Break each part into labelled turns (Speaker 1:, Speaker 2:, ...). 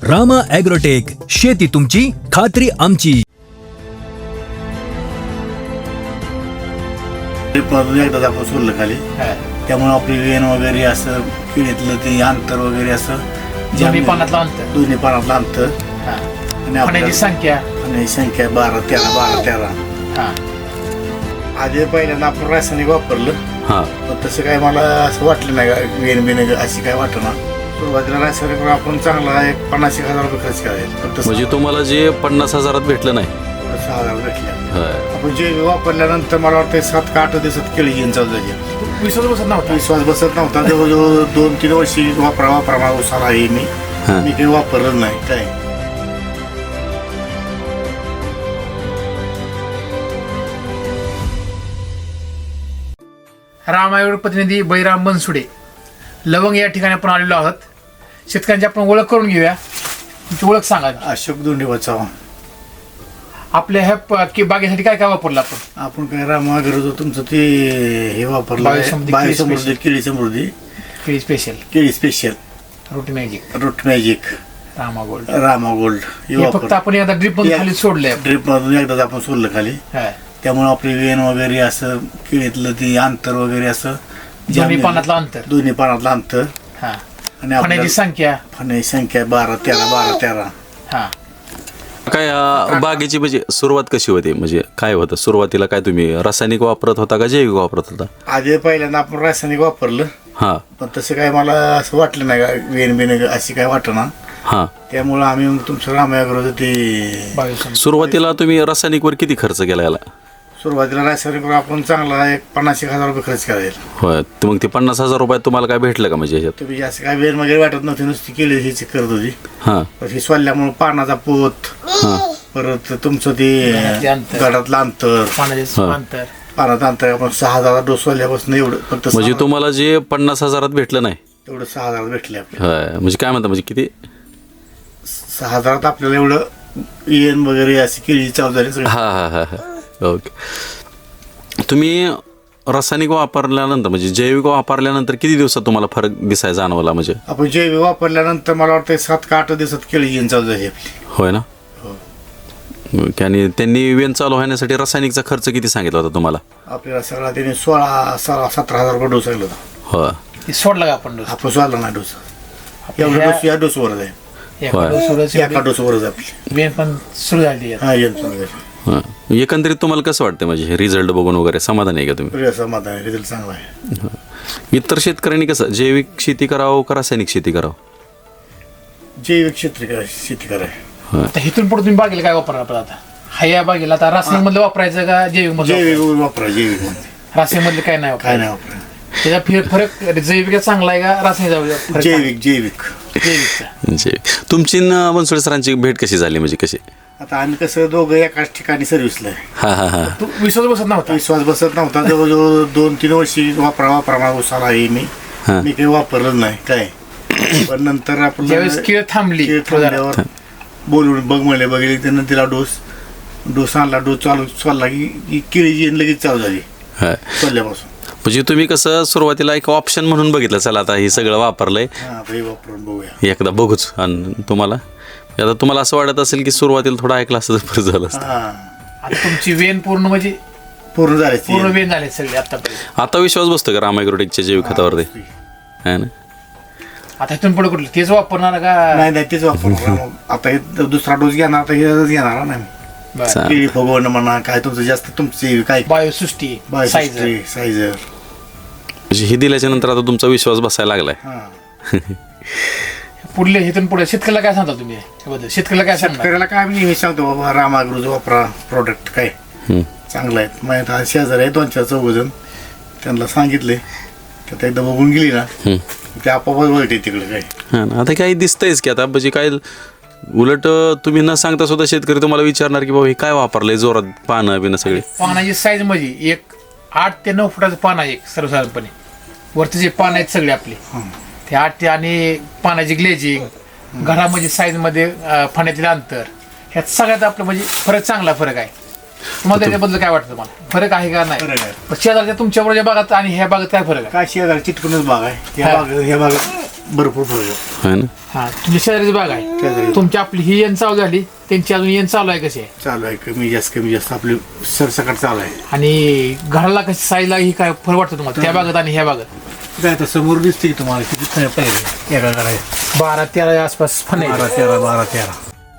Speaker 1: Rama agrotech, शेती तुमची, खात्री आमची.
Speaker 2: एकदा आपण सोडलं खाली, त्यामुळे आपली वेन वगैरे असं किडीतलं ते अंतर वगैरे असं
Speaker 3: दोन्ही पानातलं अंतर,
Speaker 2: दोन्ही पानातलं अंतर आणि
Speaker 3: पाण्याची संख्या
Speaker 2: आणि संख्या 12-13 आधी पहिल्यांदा आपण रासायनिक वापरलं, पण तसं काय मला असं वाटलं नाही वेन बिन अशी काय वाटणार. सुरुवातीला रासायनिक आपण चांगला 50,000 रुपये खर्च करायचा.
Speaker 4: म्हणजे तुम्हाला जे 50,000 भेटलं नाही,
Speaker 2: 6,000 भेटले. आपण जे वापरल्यानंतर मला वाटतं 7 का 8 दिवसात केळी येऊन चालू झाली.
Speaker 3: विश्वास बसत नव्हता.
Speaker 2: विश्वास बसत नव्हता. जवळजवळ 2-3 वर्षी वापरा उसाला आहे मी काही वापरलं नाही काय.
Speaker 3: रामायण प्रतिनिधी बैराम बनसुडे लवंग या ठिकाणी आपण आलेलो आहोत. शेतकऱ्यांची आपण ओळख करून घेऊया. तुमची ओळख सांगा.
Speaker 2: अशोक दोंडे चव्हाण.
Speaker 3: आपल्या ह्या बागेसाठी काय काय वापरलं आपण?
Speaker 2: आपण काय रामागरज तुमचं ते हे वापरलं,
Speaker 3: बायोसमृद्धी,
Speaker 2: बायोसमृद्धी, केळी समृद्धी,
Speaker 3: केळी स्पेशल,
Speaker 2: केळी special,
Speaker 3: root magic,
Speaker 2: root magic,
Speaker 3: Rama gold,
Speaker 2: Rama gold
Speaker 3: हे फक्त आपण एकदा ड्रिप मधून खाली सोडलंय.
Speaker 2: ड्रिप मधून एकदा आपण सोडलं खाली, त्यामुळे आपली वेन वगैरे असं किडीतलं ते अंतर वगैरे असं
Speaker 3: दोन्ही पानातलं अंतर,
Speaker 2: दोन्ही पानातलं अंतर आणि
Speaker 3: पाण्याची संख्या
Speaker 2: 12-13
Speaker 4: काय बागेची म्हणजे सुरुवात कशी होती? म्हणजे काय होतं सुरुवातीला? काय तुम्ही रासायनिक वापरत होता का जैविक वापरत होता?
Speaker 2: आधी पहिल्यांदा आपण रासायनिक वापरलं, पण तसं काय मला असं वाटलं नाही वेन बिन अशी काय वाटणार. त्यामुळे आम्ही तुमचं रामायण ते
Speaker 4: सुरुवातीला तुम्ही रासायनिकवर किती खर्च केला याला?
Speaker 2: सुरुवातीला रासायनिक आपण चांगला 50,000 रुपये खर्च करायला.
Speaker 4: होय. मग ते 50,000 रुपयात तुम्हाला काय भेटलं का? म्हणजे ह्याच्यात
Speaker 2: तुम्ही असं काय वेन वगैरे वाटत नव्हती, नुसती केली हीच करत होती. ही सोडल्यामुळे पानाचा पोत, परत तुमचं ते गडातलं अंतर, पानाचं अंतर आपण 6,000 डोस सोडल्यापासून एवढं. फक्त
Speaker 4: म्हणजे तुम्हाला जे 50,000 भेटलं नाही
Speaker 2: तेवढं 6,000 भेटले.
Speaker 4: म्हणजे काय म्हणता, म्हणजे किती
Speaker 2: 6,000 आपल्याला एवढं येन वगैरे अशी केळी चालू झाली सगळं.
Speaker 4: ओके. तुम्ही रासायनिक वापरल्यानंतर म्हणजे जैविक वापरल्यानंतर किती दिवसात तुम्हाला फरक दिसायला जाणवला? म्हणजे
Speaker 2: आपण जैविक वापरल्यानंतर मला वाटतं 7 का 8 दिवसात केळी येऊन चालू झाली आपली.
Speaker 4: होय ना. आणि त्यांनी वेन चालू होण्यासाठी रासायनिकचा खर्च किती सांगितला होता तुम्हाला?
Speaker 2: आपल्याला सगळा त्यांनी 16-17,000 रुपये डोस सांगितला होता.
Speaker 3: हो, सोडला का आपण?
Speaker 2: आपण सोडला नाही डोस. एवढा डोस या डोसवरच आहे, एका डोसवरच आपली
Speaker 3: वेन पण सुरू झाली.
Speaker 4: एकंदरीत तुम्हाला कसं वाटतं? म्हणजे रिझल्ट बघून वगैरे समाधान आहे का तुम्ही?
Speaker 2: समाधान आहे, रिझल्ट चांगला आहे.
Speaker 4: इतर शेतकऱ्यांनी कसं जैविक शेती करावं का रासायनिक शेती करावं?
Speaker 2: जैविक शेती करायची.
Speaker 3: इथून पुढे तुम्ही बागेला काय वापरणार आता? या बागेला आता रासायनिक मधलं वापरायचं का जैविक मधलं?
Speaker 2: जैविक वापरा. जैविक
Speaker 3: रासायनिक मधलं काय नाही
Speaker 2: काय नाही वापरा.
Speaker 3: त्याचा फरक जैविक चांगला आहे का रासायनिक?
Speaker 2: जैविक.
Speaker 4: तुमची बनसोडे सरांची भेट कशी झाली? म्हणजे कशी?
Speaker 2: आता आम्ही कसं दोघं एकाच ठिकाणी सर्व्हिसला आहे.
Speaker 3: विश्वास बसत नव्हता.
Speaker 2: विश्वास बसत नव्हता. जवळजवळ 2-3 वर्षी वापरा उसाला आहे मी काही वापरलं नाही काय. पण नंतर आपण
Speaker 3: ज्यावेळेस केळ थांबली
Speaker 2: बोलून बघ बघितले, त्यानं तिला डोस आणला. डोस चालू चालला की केळी लगेच चालू झाली सोडल्यापासून.
Speaker 4: म्हणजे तुम्ही कसं सुरुवातीला एक ऑप्शन म्हणून बघितलं, चला आता हे सगळं वापरलंय,
Speaker 2: वापरून बघूया,
Speaker 4: एकदा बघूच. आणि आता तुम्हाला असं वाटत असेल की सुरुवातीला थोडं ऐकलं असतं तर झालं असतं.
Speaker 3: आता तुमची वेन पूर्ण म्हणजे
Speaker 2: पूर्ण झाली,
Speaker 3: पूर्ण वेन झाले सगळे आतापर्यंत.
Speaker 4: आता विश्वास बसतो का रामायग्रोटेकच्या जैविक खतावरती? है ना.
Speaker 3: आता इथून पुढे कुठलं तेच वापरणार का?
Speaker 2: नाही तेच वापरणार. आता हे दुसरा डोस घेणार, आता हे घेणार नाही. केळी फुगवणं म्हणा काय तुमचं जास्त तुमची काय
Speaker 3: बायोसृष्टी,
Speaker 2: सायझर
Speaker 4: हे दिल्याच्या नंतर आता तुमचा विश्वास बसायला लागलाय.
Speaker 3: पुढले इथून पुढे शेतकऱ्याला काय सांगता तुम्ही? शेतकऱ्याला काय सांगणार?
Speaker 2: शेतकऱ्याला काय मी सांगतो बाबा, रामागृह वापरा प्रोडक्ट काय चांगलं आहे. माझ्या शेजारी आहे 2-4 जण, त्यांना सांगितले तर एकदा बघून गेली ना ते आपोआप वळते तिकडे काय.
Speaker 4: आता काही दिसतंयच की आता म्हणजे काय उलट तुम्ही न सांगता सुद्धा शेतकरी तुम्हाला विचारणार की बाबा हे काय वापरलंय, जोरात पानं बिनं सगळे.
Speaker 3: पानाची साईज म्हणजे एक 8 ते 9 फुटाचं पान आहे सर्वसाधारणपणे. वरती जे पान आहेत सगळे आपले ते 8 ते, आणि पानाची ग्लेजिंग, घरामध्ये साईज मध्ये फण्यातले अंतर, ह्यात सगळ्यात आपलं म्हणजे चांगला फरक आहे. तुम्हाला त्याच्याबद्दल काय वाटतं? तुम्हाला फरक आहे का नाही? शेजारच्या तुमच्याबरोबर बागात आणि ह्या बागात काय फरक आहे?
Speaker 2: काय शेजारी चिटकूनच बाग आहे. ह्या बागात भरपूर फरक आहे.
Speaker 4: है ना
Speaker 3: हा तुमची शेजारीची बाग आहे,
Speaker 2: शेजारी.
Speaker 3: तुमची आपली ही येण चालू झाली, त्यांची अजून येण चालू आहे कशी आहे,
Speaker 2: चालू आहे कमी जास्त आपली सरसकट चालू आहे.
Speaker 3: आणि घराला कशी साईजला ही काय फरक वाटतं तुम्हाला त्या बागत आणि ह्या बागत?
Speaker 2: काय आता समोर दिसते की तुम्हाला किती पाहिजे एका घरात
Speaker 3: 12-13 आसपास फण आहे.
Speaker 2: 12-13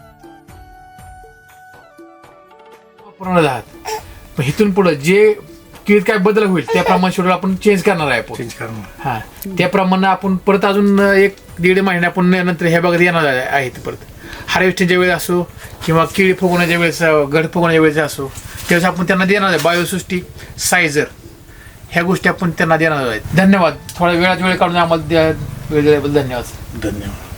Speaker 3: पूर्ण राहत. पण इथून पुढे जे किती काय बदल होईल त्याप्रमाणे शेड्यूल आपण चेंज करणार आहे आपण.
Speaker 2: चेंज करणं.
Speaker 3: हा त्याप्रमाणे आपण परत अजून 1-1.5 महिने आपण नंतर ह्या बागत येणार आहेत परत. हार्वेस्टिंगच्या वेळेस असो किंवा केळी फुगवण्याच्या वेळेस, गड फुगवण्याच्या वेळेस असो, त्यावेळेस आपण त्यांना देणार आहे बायोसृष्टी, सायझर ह्या गोष्टी आपण त्यांना देणार आहेत. धन्यवाद. थोडा वेळात वेळ काढून आम्हाला वेळ दिल्याबद्दल धन्यवाद.
Speaker 2: धन्यवाद.